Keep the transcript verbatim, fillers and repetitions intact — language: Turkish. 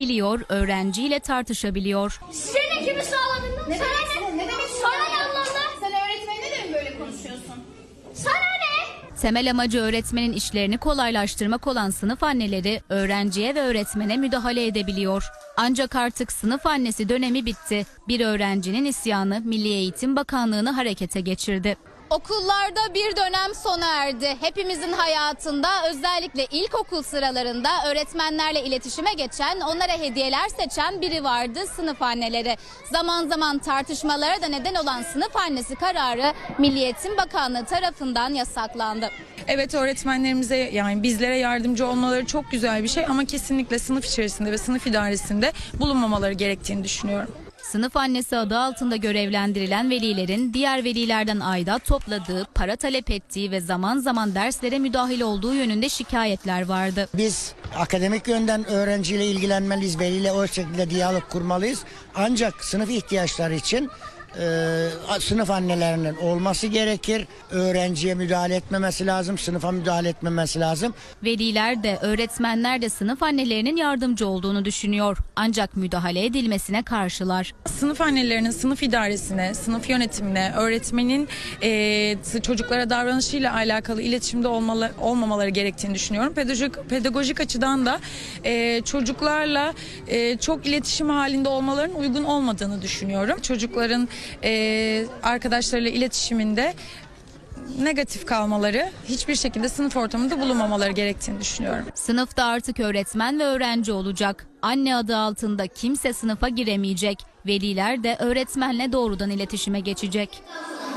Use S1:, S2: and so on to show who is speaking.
S1: Biliyor, öğrenciyle tartışabiliyor.
S2: Senin kimi sağladın?
S3: Ne
S2: Sana
S3: demek,
S2: ne?
S3: ne demek
S2: Sana ne anlamda?
S3: Sen öğretmenine de mi böyle konuşuyorsun?
S2: Sana ne?
S1: Temel amacı öğretmenin işlerini kolaylaştırmak olan sınıf anneleri öğrenciye ve öğretmene müdahale edebiliyor. Ancak artık sınıf annesi dönemi bitti. Bir öğrencinin isyanı Milli Eğitim Bakanlığı'nı harekete geçirdi.
S4: Okullarda bir dönem sona erdi. Hepimizin hayatında özellikle ilkokul sıralarında öğretmenlerle iletişime geçen, onlara hediyeler seçen biri vardı: sınıf anneleri. Zaman zaman tartışmalara da neden olan sınıf annesi kararı Milli Eğitim Bakanlığı tarafından yasaklandı.
S5: Evet, öğretmenlerimize, yani bizlere yardımcı olmaları çok güzel bir şey ama kesinlikle sınıf içerisinde ve sınıf idaresinde bulunmamaları gerektiğini düşünüyorum.
S1: Sınıf annesi adı altında görevlendirilen velilerin diğer velilerden aidat topladığı, para talep ettiği ve zaman zaman derslere müdahil olduğu yönünde şikayetler vardı.
S6: Biz akademik yönden öğrenciyle ilgilenmeliyiz, veliyle o şekilde diyalog kurmalıyız. Ancak sınıf ihtiyaçları için e, sınıf annelerinin olması gerekir. Öğrenciye müdahale etmemesi lazım, sınıfa müdahale etmemesi lazım.
S1: Veliler de öğretmenler de sınıf annelerinin yardımcı olduğunu düşünüyor. Ancak müdahale edilmesine karşılar.
S5: Sınıf annelerinin sınıf idaresine, sınıf yönetimine, öğretmenin e, çocuklara davranışıyla alakalı iletişimde olmalı, olmamaları gerektiğini düşünüyorum. Pedagojik, pedagojik açıdan da e, çocuklarla e, çok iletişim halinde olmalarının uygun olmadığını düşünüyorum. Çocukların e, arkadaşlarıyla iletişiminde negatif kalmaları, hiçbir şekilde sınıf ortamında bulunmamaları gerektiğini düşünüyorum.
S1: Sınıfta artık öğretmen ve öğrenci olacak. Anne adı altında kimse sınıfa giremeyecek. Veliler de öğretmenle doğrudan iletişime geçecek.